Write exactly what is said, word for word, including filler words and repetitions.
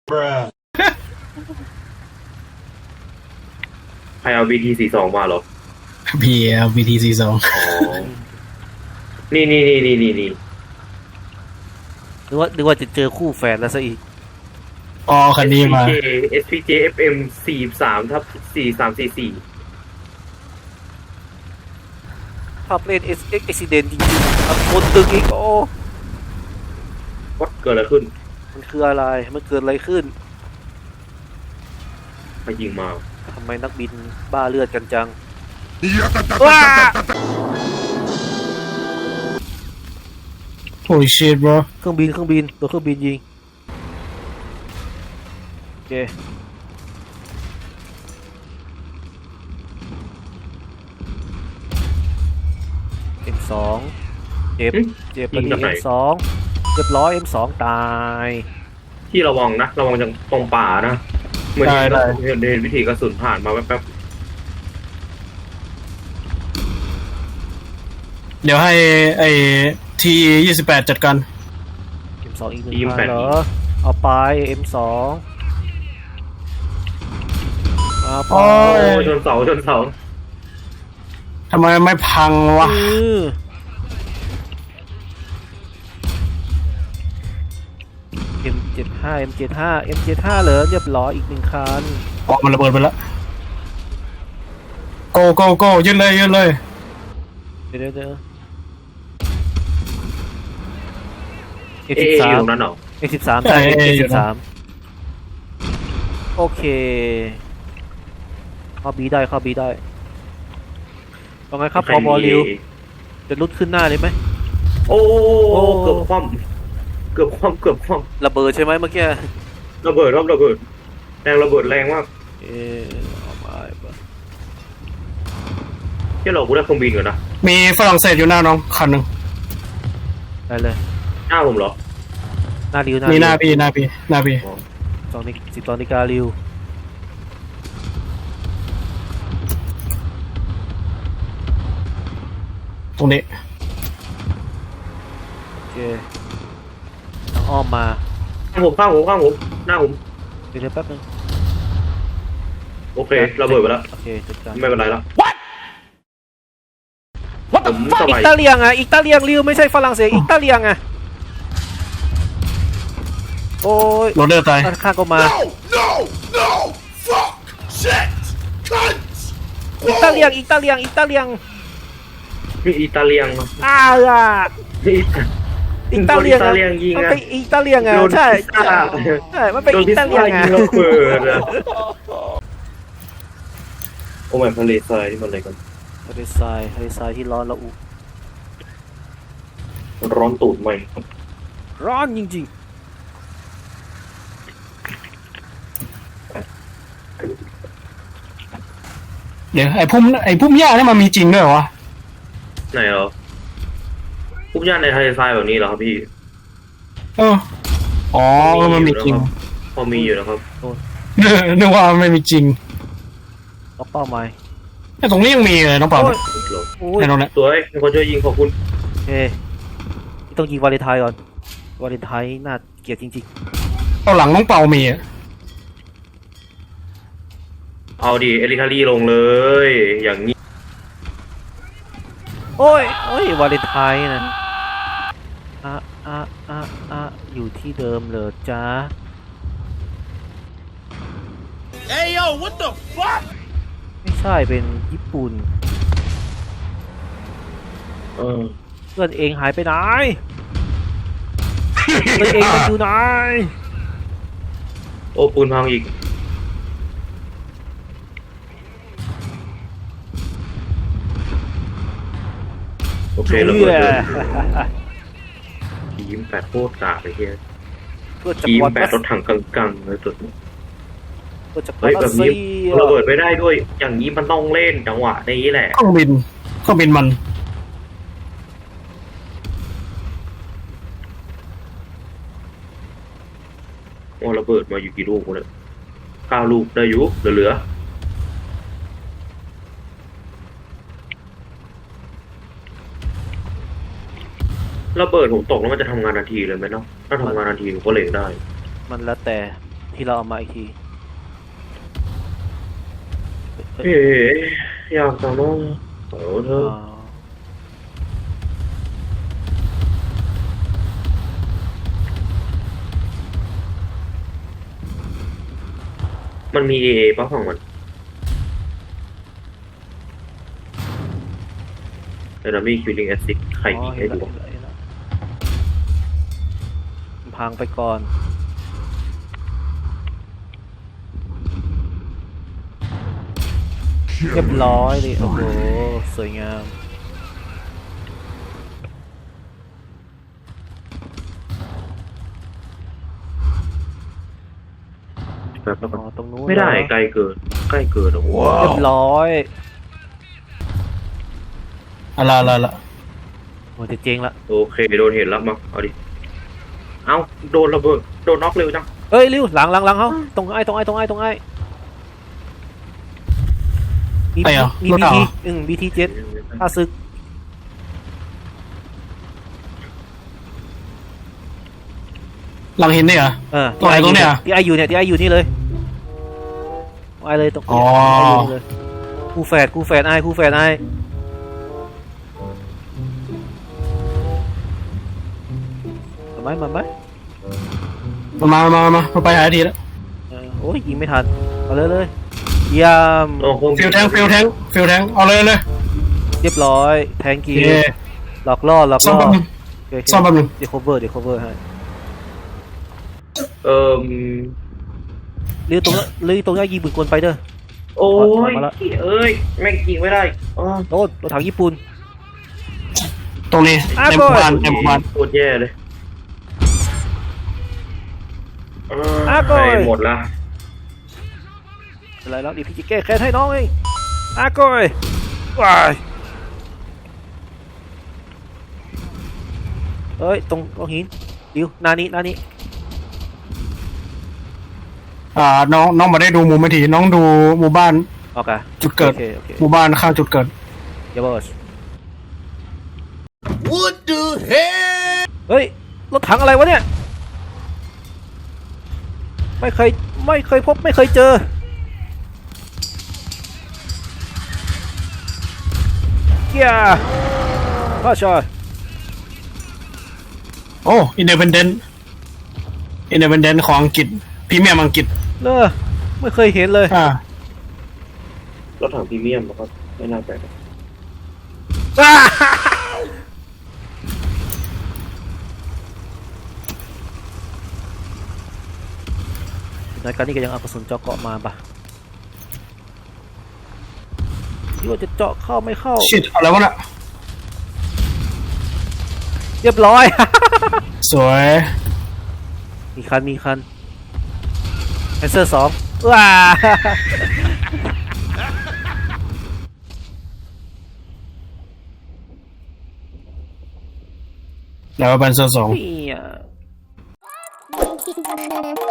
ใครเอา บี ที สี่สิบสองมาเหรอพีเอล บี ที สี่สิบสองอ๋อนี่นี่นี่นี่นี่นี่นึกว่านึกว่าจะเจอคู่แฝดแล้วซะอีกอ๋อคันนี้มาเอส พี เจ เอฟ เอ็ม สี่สิบสามทับสี่สามสี่สี่ภาพเล่นเอ็กเอ็กซิเดนจริงๆอัคนตึกอีกโอ้วัดเกิดอะไรขึ้นมันคืออะไรมันเกิดอะไรขึ้นใครยิงมาทำไมนักบินบ้าเลือดกันจังโอ้ยชิต bro เครื่องบินเครื่องบินตัวเครื่องบินยิงโอเคเอ็มสองเจ็บเจ็บพอดีเอ็มสองเรียบร้อยเอ็มสองตายที่ระวังนะระวังจากตรงป่านะเหมือนเห็นเห็นวิธีกระสุนผ่านมาแป๊บเดี๋ยวให้ไอ้ทียี่สิบแปดจัดการเอ็มสองอีกหนึ่งพันเหรอเอาไปเอ็มสองเอาไปๆโอ้ยชนเสาชนเสาทำไมไม่พังวะเอ็มเจ็ดห้าเอ็มเจ็ดห้าเอ็มเจ็ดห้าเหรอเรียบร้อยอีกหนึ่งคันออกมันระเบิดไปแล้ว go go go ยืนเลยยืนเลยเดี๋ยวเดี๋ยวเอเอสิบอสาอยู่มตรงนั้นเหรอเอสิบสามใช่เอสิบสามโอเคเข้าบีได้เข้าบีได้ว่าไงครับพอบอลิวจะลุดขึ้นหน้าเลยไหมโอ้เกือบคว่ำเกือบคว่ำเกือบคว่ระเบิดใช่ไหมเมื่อกี้ำระเบิดรอบระเบิดแรงระเบิดแรงมากเออเอามาที่เรากูได้เครื่องบินก่อนนะมีฝรั่งเศสอยู่หน้าน้องคันหนึ่งได้เลยหน้าผมเหรอหน้าริวหน้ามีริวหน้าพี่หน้าพี่หน้าพี่สองนิสิบสองนิการิวตรงนี้โอเคทางอ้อมมาข้างผมข้างผมข้างผมหน้าผมเดี๋ยวแป๊บนึงโอเคระเบิดไปแล้วโอเคจัดการไม่เป็นไรแล้ว What the fuck อิตาเลียงอะอิตาเลียงริวไม่ใช่ฝรั่งเศสอิตาเลียงอะโอ้ยโรเดอร์ตายด้านข้างก็มา No! No! Fuck! Shit! Cunt! อิตาเลียงอิตาเลียงอิตาเลียงนี่อิตาเลียงอ้าวอะนี่อิตาเลียงอิตาเลียงยิงมันอะเป็นอิตาเลียงอะโดนใช่พิซซ่าใช่มันเป็นโดนอิพิซตาซ่าเลียงยิอะงระเบิดอะโอ้ยทะเลทรายนี่มันอะไรกันทะเลทรายทะเลทรายที่ร้อนระอุร้อนตูดไหมร้อนจริงเดี๋ยวไอ้พุ่มไอ้พุ่มหญ้านี่มันมีจริงด้วยเหรอวะไหนเหรอปุ๊บย่านในทะเลทรายแบบนี้เหรอครับพี่เอออ๋อมันมีจริงพอมีอยู่นะครับนึกว่ามันไม่มีจริงๆล็อกเป้าหมายแต่ตรงนี้ยังมีเลยน้องเปล่าโอ้ยโอ้ยในตรงนี้สวยมีคนช่วยยิงขอบคุณโอเคต้องยิงวาเลนไทน์ก่อนวาเลนไทน์น่าเกลียดจริงเอาหลังน้องเปามีอะเอาดิเอลิทารีลงเลย อย่างนี้ๆโอ้ยโอ้ยวาเลนไทน์นะอ่ะอ่ะอ่ะอ่ะอยู่ที่เดิมเลยจ้า Hey yo, what the fuck? ไม่ใช่เป็นญี่ปุ่นเออเพื่อนเองหายไปไหนเพื่อนเองมันอยู่ไหนโอ้ปูนพังอีกโอเคระเบิดเลยทีมแปดโคตรกากเลยเฮียเพื่อจะทีมกวาดแปดรถถังกังๆเลยสุดเพื่อจะกวาเฮ้ยดแบบซีนี้ระเบิดไม่ได้ด้วย อย่างนี้มันต้องเล่นจังหวะนี้แหละเครื่องบินเครื่องบินมันโอ้ระเบิดมาอยู่กี่ลูกวะเนี่ยเก้าลูกได้อยู่เหลือๆระเบิดผมตกแล้วมันจะทำงานทันทีเลยไหมเนาะถ้าทำงานทันทีผมก็เล็งได้มันแล้วแต่เหที่เราเอามาอีกทีเฮ้ยเฮ้ยอยากจะน้องโอ้เธออ่ามันมีเอป่ะของมันเดี๋ยวนะมีคิวลิงแอซิดใครอ๋อยิงเห็ให้นดูแล้วเห็นแล้วเห็นแล้วพังไปก่อน เรียบร้อยเลยโอ้โห สวยงามแบบอ๋อ ตรงนู้นไม่ได้เหรอไกลเกินใกล้เกินโอ้โหเรียบร้อยอะไรอะไรละโอ้จะเจ๊งละโอเคโดนเห็นแล้วมาเอาดิเอ้าโดนระเบิดโดนน็อกเร็วจังเอ้ยริวหลังหลังหลังเขาตรงไอ้ตรงไอ้ตรงไอ้ตรงไอ้มีไอ้เหรอมีรถบีเหรทีออืมบีทีเจ็ดข้าศึกหลังหินนี่เหรอเออตรงไหนตรงเนี้ยที่ไออยู่เนี่ยที่ไออยู่นี่เลยไอเลยตรงอ๋อไออยู่นี่เลยคู่แฝดคู่แฝดไอคู่แฝดไอมาไหมมาไหมมามามามามาไปหาทีแล้วเออโอ้ยยิงไม่ทันเอาเลยเลยเยี่ยมโอ้โหฟิลแทงฟิลแทงฟิลแทงเอาเลยเลยเรียบร้อยแทงกีโอเคหลอกล่อหลอกซ่อมล่อแป๊บนึงโเคซ่อมแป๊บนึงเดี๋ยว cover เดี๋ยว cover ให้เอ่อเรือตรงนั้นเรือตรงนี้ยิงปืนกลไปเด้อโอ้ถอยยมาละเอ้ยแม่งยิงไม่ได้อ๋อโน่นรถถังญี่ปุ่นตรงนี้อ่ะในหมู่บ้านก่อนในหมู่บ้านโคตรแย่เลยเอออ่ะก่อนให้หมดละอะไรแล้วดิพี่จะแก้แค้นให้น้องเองอาโก้ยว้ายเอ้ยตรงตรงหินดิวหนานี้หนานี้อ่าน้องน้องมาได้ดูหมู่ไม่ทีน้องดูหมู่บ้านโอเคจุดเกิดโอเคโอเคหมู่บ้านข้างจุดเกิดเดี๋ยวบอส What the hell? เฮ้ยรถถังอะไรวะเนี่ยไม่เคยไม่เคยพบไม่เคยเจอเกียร์พ่อชอยโอ้อินเด p พ n เดนต์อินเด p พ n เดนต์ของอังกฤษพรีเมียมอังกฤษเลอไม่เคยเห็นเลยอ่ารถถังพรีเมียมแล้วก็ไม่น่าแปลกในการนี้ก็ยังเอากระสุนเจาะเกาะมาปะที่ว่าจะเจาะเข้าไม่เข้าชิดอะไรวะน่ะเรียบร้อยสวยมีคันมีคันแอนเซอร์สองว้าแล้วบันโซสองเนี่ย